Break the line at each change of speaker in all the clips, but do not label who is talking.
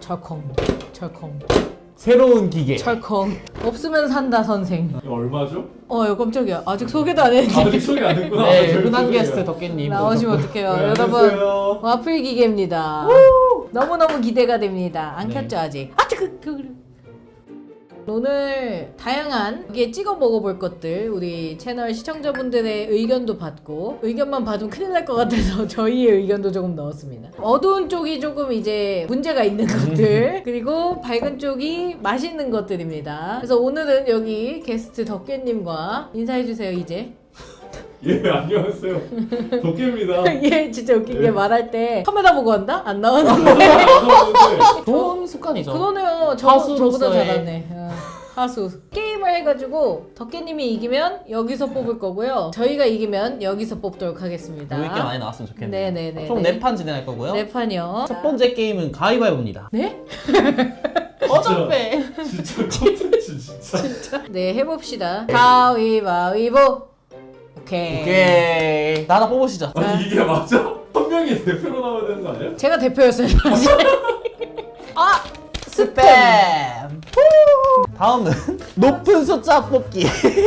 철컹 철컹
새로운 기계.
철컹. 없으면 산다 선생.
이거 얼마죠?
이거 깜짝이야. 아직 소개도 안 했는데.
아직 소개 안 했구나.
네,
저희
흔한
소개가.
게스트 덕계님.
나오시면 어떡해요.
네,
여러분
안녕하세요.
와플 기계입니다. 너무너무 기대가 됩니다. 안
네.
켰죠 아직? 오늘 다양한 여기에 찍어 먹어볼 것들 우리 채널 시청자분들의 의견도 받고 의견만 받으면 큰일 날 것 같아서 저희의 의견도 조금 넣었습니다. 어두운 쪽이 조금 이제 문제가 있는 것들 그리고 밝은 쪽이 맛있는 것들입니다. 그래서 오늘은 여기 게스트 덕계님과 인사해주세요 이제.
예, 안녕하세요. 덕계입니다.
얘 진짜 웃긴 게
네.
말할 때 카메라 보고 한다? 안 나오는데.
나왔는데
좋은 습관이죠.
그러네요.
하수로서의-
저보다 잘하네. 하수. 게임을 해가지고 덕계님이 이기면 여기서 뽑을 거고요. 저희가 이기면 여기서 뽑도록 하겠습니다.
재밌게 많이 나왔으면 좋겠네요.
네네네.
총 4판 진행할 거고요.
네 판이요.
첫 번째 게임은 가위바위보입니다.
네?
어차피.
진짜 콘텐츠 진짜.
네 해봅시다. 가위바위보. 오케이.
오케이. 나 하나 뽑으시죠.
아니 이게 맞아? 한 명이 대표로 나와야 되는 거 아니야?
제가 대표였어요 사실. 아
스팸. 다음은 높은 숫자 뽑기.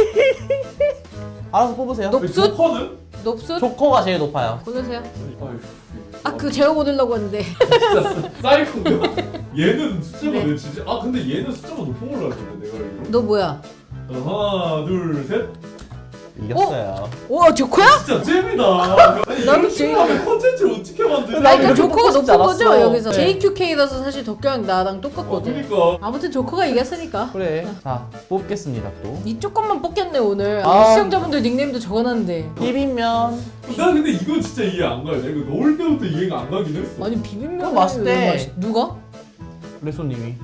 알아서 뽑으세요.
높-
조커는?
높수
조커가 제일 높아요.
고르세요.
아유,
그 제가 고르려고 했는데.
진짜 사이코인가? 얘는 숫자가
네.
왜 지지? 아 근데 얘는 숫자가 높은 걸로 알고 있는데 내가 알기로.
너 뭐야?
하나 둘 셋.
이겼어요.
오 조커야?
진짜 잼이다. 아니
나도
이런 식으로 컨텐츠를 어떻게 만드냐?
아 그러니까
이거
조커가
뽑고 싶지
높은 거죠
않았어.
여기서.
네.
JQK라서 사실 덕경이랑 나랑 똑같거든.
그러니까.
아무튼 조커가 이겼으니까.
그래. 자, 뽑겠습니다 또.
이쪽 것만 뽑겠네 오늘.
아.
시청자분들 닉네임도 적어놨는데.
비빔면.
나 근데 이거 진짜 이해 안 가요. 내가 이거 넣을 때부터 이해가 안 가긴 했어.
아니 비빔면
그거 맛있대.
누가?
레소님이.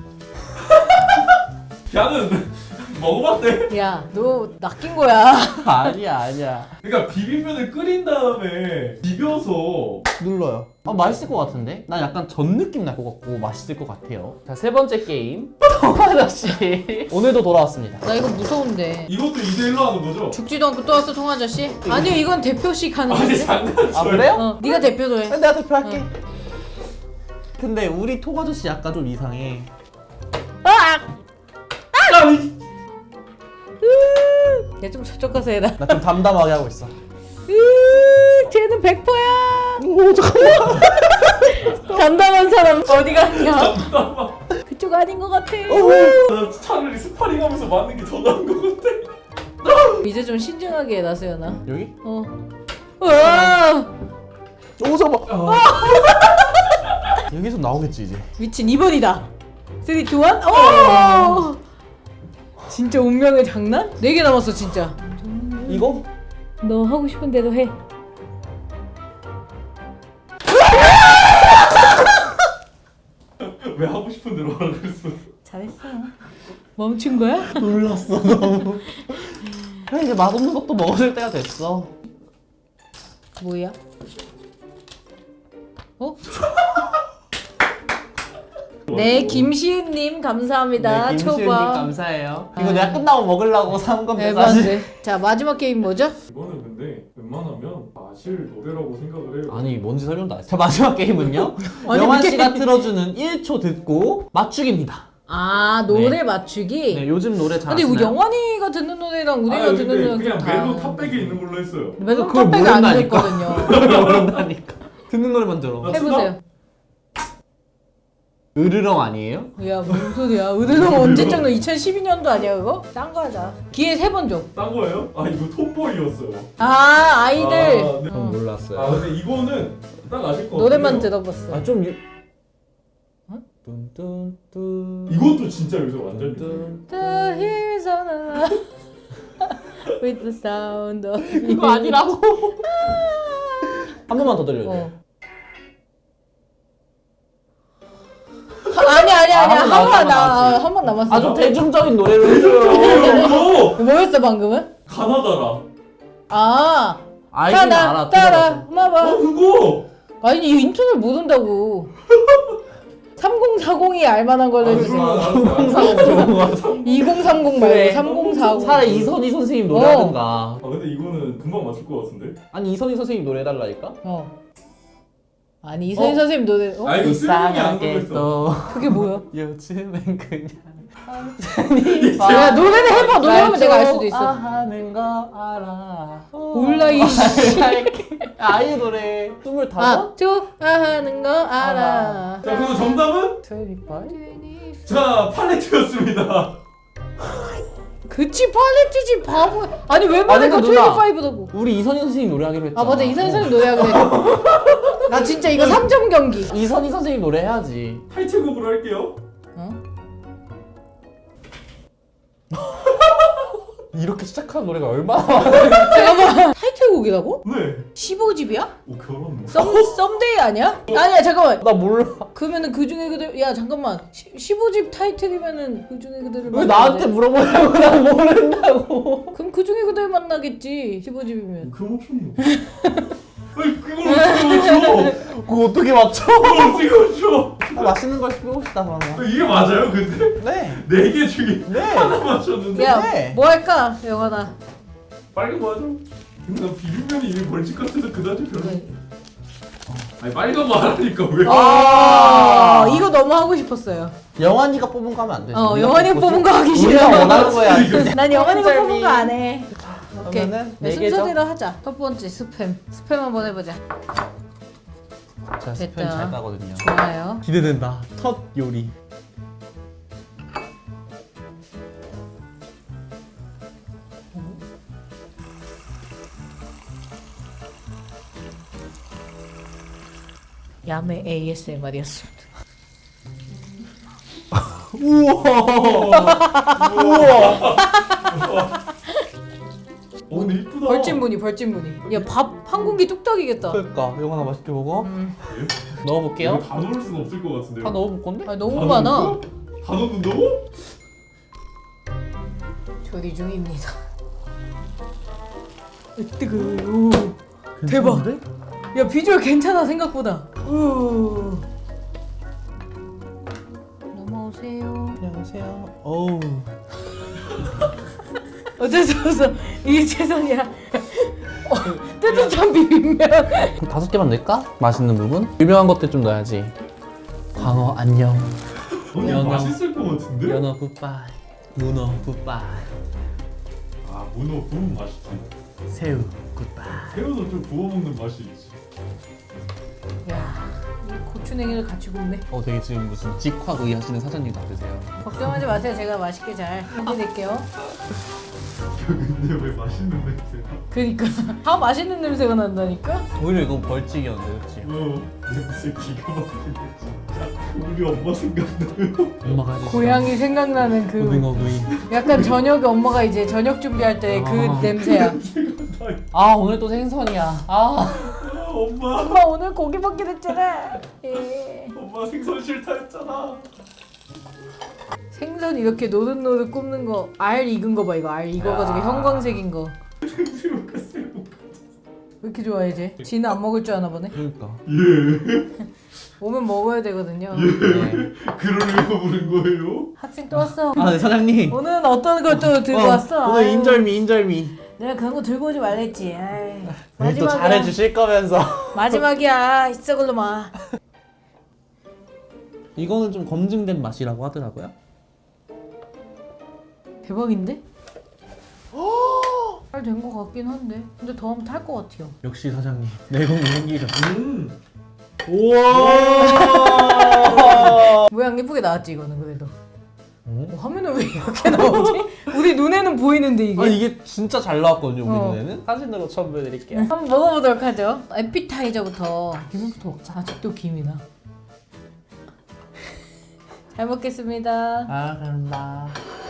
걔는 먹어봤대.
야 너 낚인 거야.
아니야.
그러니까 비빔면을 끓인 다음에 비벼서
눌러요. 맛있을 것 같은데? 난 약간 전 느낌 날 것 같고 맛있을 것 같아요. 자, 세 번째 게임. 통아저씨. 오늘도 돌아왔습니다.
나 이거 무서운데.
이것도 2대1로 하는 거죠?
죽지도 않고 또 왔어 통아저씨? 아니요 이건 대표식 하는
아니
거지.
장난쳐요.
아, 그래요?
네가 대표도 해.
내가 대표할게. 근데 우리 통아저씨 약간 좀 이상해.
얘 좀 저쪽 가서 해라.
나 좀 담담하게 하고 있어.
쟤는 100%야.
오, 잠깐만.
담담한 사람 어디 갔냐? 그쪽 아닌 것 같아.
나 차라리 스파링하면서 맞는 게 더 나은 것 같아.
이제 좀 신중하게 해 나수연아.
여기?
우와!
오, 잠깐만. 여기서 나오겠지, 이제.
미친 2번이다. 3, 2, 1. 오! 진짜 운명의 장난? 4개 남았어 진짜.
이거?
너 하고 싶은 대로 해.
왜 하고 싶은 대로 하라 그랬어?
잘했어. 멈춘 거야?
놀랐어, 너무. 그래, 이제 맛없는 것도 먹어줄 때가 됐어.
뭐야? 어? 네, 김시은님 감사합니다.
네, 김시은님
초밥.
감사해요. 이거 내가 끝나고 먹으려고 산 건데, 사실.
에반데. 자, 마지막 게임 뭐죠?
이거는 근데 웬만하면 마실 노래라고 생각을 해요.
아니, 뭔지 설명도 안 했어. 자, 마지막 게임은요.
아니,
영환
이게-
씨가 틀어주는 1초 듣고 맞추기입니다.
아, 노래 맞추기?
네, 요즘 노래 잘
근데
아시나요?
영환이가 듣는 노래랑 우리가
아니,
듣는
근데
노래랑
그냥
좀
멜로
다.
탑백에 있는 걸로 했어요.
멜로
그걸
탑백이 안
모른다니까.
됐거든요.
모른다니까. 듣는 노래만 들어.
나
해보세요.
으르렁 아니에요?
야, 무슨 소리야. 의드동 언제적 너 2012년도 아니야, 그거? 딴 거 하자. 기회 3번 줘.
딴 거예요? 아 이거 톰보이였어요.
아, 아이들.
아, 네.
전 몰랐어요.
아 근데 이거는 딱 아실 것 같아요.
노래만 들어봤어.
아, 좀. 뚠뚠뚠.
이것도 진짜 요새 완전
뚠뚠.
The hills on a with the sound of
이거 아니라고. 한 번만 더 들려요.
아니야.
한 번 남았지.
한 번 남았어.
아주 대중적인 노래로 해줘요.
이거
뭐였어, 방금은?
가나다라.
아,
알긴 알아.
따라,
들어봤어.
마봐.
그거.
아니, 이 인터넷 모른다고. 3040이 알만한 걸로 해주세요.
항상 좋은 거 같아.
2030 말고 3040.
차라리 이선희 선생님 노래 하든가.
아 근데 이거는 금방 맞출 것 같은데.
아니 이선희 선생님 노래 해달라니까?
어. 아니 이선희 선생님 노래. 어?
아 이거 수영이 안 들어있어.
또
그게 뭐야?
요즘엔 그냥
야 노래를 해봐. 노래하면 내가 알 수도 있어.
하는 거 알아.
몰라 이씨.
아이유 노래 25?
좋아하는 거 알아.
자 그럼 정답은
25?
자 팔레트였습니다.
그치 팔레트지 바보. 아니 왜 말해?
아니,
그
누나.
25라고.
우리 이선희 선생님 노래하기로 했잖아.
아 맞아 이선희 선생님 노래하기로 했어. 나 진짜 이거 3점 경기.
이선희 선생님 노래 해야지.
타이틀곡으로 할게요.
어?
이렇게 시작하는 노래가 얼마나 많아.
잠깐만 타이틀곡이라고?
네.
15집이야?
오 결혼.
썸데이 아니야? 아니야 잠깐만.
나 몰라.
그러면은 그 중에 그대로 야 잠깐만 15집 타이틀이면은 그 중에 그대로
왜 나한테 물어보냐고. 난 모른다고.
그럼 그 중에 그대로 만나겠지 15집이면.
그럼 어쩌노? 아니 그걸 어떻게 맞춰?
그거 어떻게 맞춰?
그걸 어떻게 맞춰?
나 맛있는 걸 쓰고 싶다 그러면.
이게 맞아요 근데?
네.
4개 중에
네.
하나 맞췄는데
야
네.
뭐 할까 영환아.
빨간 거 하자. 근데 나 비빔면이 이미 벌칙 같아서 그다지 별로. 아니 빨간 거 하라니까 왜?
아 이거 너무 하고 싶었어요.
영환이가 뽑은 거 하면 안 되지. 우리가
영환이가 뽑은 거 하기
우리가
싫어.
원하는 거야.
난 영환이가
한
뽑은 거 안 해. 오케이.
그러면은
네,
네 개죠?
순서대로 하자. 첫 번째 스팸. 스팸 한번 해보자.
제가 스팸
됐다.
잘 따거든요.
좋아요.
기대된다. 첫 요리.
야매 ASMR이었습니다.
어 근데 이쁘다.
벌찐무늬. 야 밥 한 공기 뚝딱이겠다.
그러니까 영환아 맛있게 먹어. 넣어볼게요.
이거 다 넣을 수는 없을 것 같은데요.
다 넣어볼 건데?
아 너무 많아.
다 넣는다고?
조리 중입니다. 뜨거. 대박. 야 비주얼 괜찮아 생각보다. 넘어오세요.
안녕하세요. 어우.
어쩔 수 없어. 이게 최선이야. 뜨뜻한 비빔면.
5개만 넣을까? 맛있는 부분? 유명한 것들 좀 넣어야지. 광어 안녕.
근데
연어.
맛있을 것 같은데?
연어 굿바이. 문어 굿바이.
아 문어 구운 맛있지.
새우 굿바이.
새우도 좀 구워 먹는 맛이 있지.
야, 이 고추냉이를 같이 굽네.
되게 지금 무슨 직화구이 하시는 사장님 같으세요.
걱정하지 마세요. 제가 맛있게 잘 해드릴게요.
근데 왜 맛있는 냄새가?
그니까 다 맛있는 냄새가 난다니까.
오히려 이건 벌칙이었는데, 그치?
냄새 기가 막히네 진짜. 우리 엄마 생각나요.
엄마가 해주신
고양이 생각나는 그
고등어구이.
약간 저녁에 엄마가 이제 저녁 준비할 때 그
아.
냄새야.
아, 오늘 또 생선이야. 아.
엄마
엄마 오늘 고기 먹기로 했잖아. 예.
엄마 생선 싫다 했잖아.
생선 이렇게 노릇노릇 굽는 거 알 익은 거 봐 이거 알 익어가지고
야.
형광색인 거.
새우가 새우.
왜 이렇게 좋아해 쟤? 지는 안 먹을 줄 아나 보네.
그러니까.
예.
오면 먹어야 되거든요.
네.
그러려고 부른 거예요?
학생 또 왔어.
아, 네, 사장님.
오늘은 어떤 걸 또 들고 왔어?
오늘
아유.
인절미.
내가 그런 거 들고 오지 말랬지. 아이,
오늘 또 잘해주실 거면서.
마지막이야. 있어 걸로마.
이거는 좀 검증된 맛이라고 하더라고요.
대박인데? 잘 된 거 같긴 한데. 근데 더 하면 탈 거 같아요.
역시 사장님. 내공이 생기셨어.
우와.
모양 예쁘게 나왔지 이거는 그래도.
어?
화면은 왜 이렇게 나오지? 우리 눈에는 보이는데 이게.
아, 이게 진짜 잘 나왔거든요, 우리
어.
눈에는. 사진으로 처음 보여드릴게요.
한번 먹어보도록 하죠. 에피타이저부터 김부터 먹자. 아직도 김이나. 잘 먹겠습니다.
아, 그런다.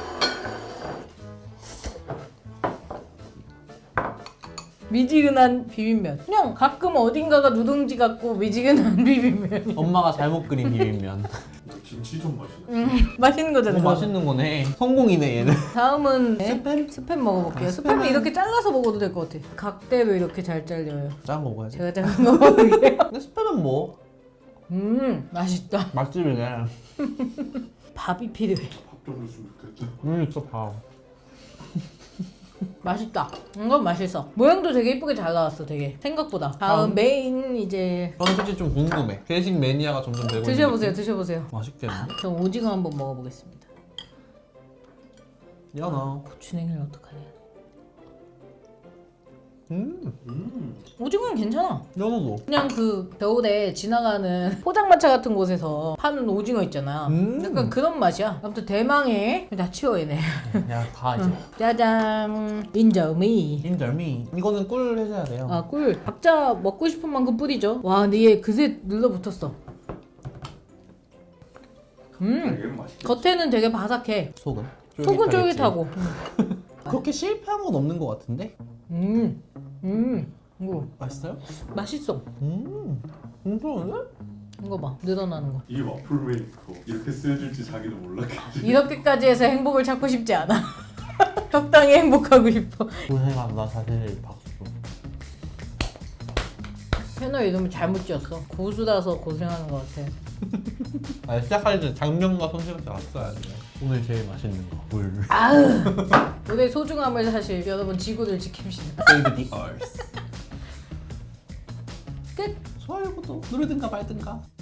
미지근한 비빔면. 그냥 가끔 어딘가가 누룽지 같고 미지근한 비빔면.
엄마가 잘못 그린 비빔면.
김치 좀 맛있네.
맛있는 거잖아.
너무 맛있는 거네. 성공이네, 얘는.
다음은
스팸?
스팸 먹어볼게요.
아,
스팸은
스팸은-
이렇게 잘라서 먹어도 될 것 같아. 각대로 이렇게 잘 잘려요.
작은 거 먹어야지.
제가 작은 거 먹을게요.
근데 스팸은 뭐?
맛있다.
맛집이네.
밥이 필요해.
밥 좀 줬으면 좋겠다.
진짜 봐.
맛있다. 이건 맛있어. 모양도 되게 이쁘게 잘 나왔어. 되게 생각보다. 다음 메인 이제
저는 솔직히 좀 궁금해. 회식 매니아가 점점 되고
드셔보세요. 드셔보세요.
맛있겠네.
그럼 오징어 한번 먹어보겠습니다.
연어.
고추냉이를 어떡하냐.
음.
오징어는 괜찮아.
연어도.
그냥 그 겨울에 지나가는 포장마차 같은 곳에서 파는 오징어 있잖아. 약간 그런 맛이야. 아무튼 대망의 다 치워 얘네.
야, 다 이제.
짜잔. 인절미.
인절미. 이거는 꿀 해줘야 돼요.
아 꿀. 각자 먹고 싶은 만큼 뿌리죠. 와 근데 얘 그새 눌러붙었어.
얘는 맛있겠지.
겉에는 되게 바삭해.
속은?
속은
쫄깃하겠지.
쫄깃하고.
그렇게 실패한 건 없는 것 같은데?
이거
맛있어요?
맛있어.
괜찮은데?
이거 봐 늘어나는 거.
이게 와플 메이커 이렇게 쓰여질지 자기도 몰랐겠지.
이렇게까지 해서 행복을 찾고 싶지 않아. 적당히 행복하고 싶어.
고생한다 사실 박수.
채널 이름을 잘못 지었어. 고수라서 고생하는 것 같아.
아 시작할 때 장면과 손실없이 왔어야 돼. 오늘 제일 맛있는 거 물.
아으. 우리의 소중함을 사실 여러분 지구를 지킵시다.
Save the Earth.
끝.
좋아요 구독 누르든가 말든가.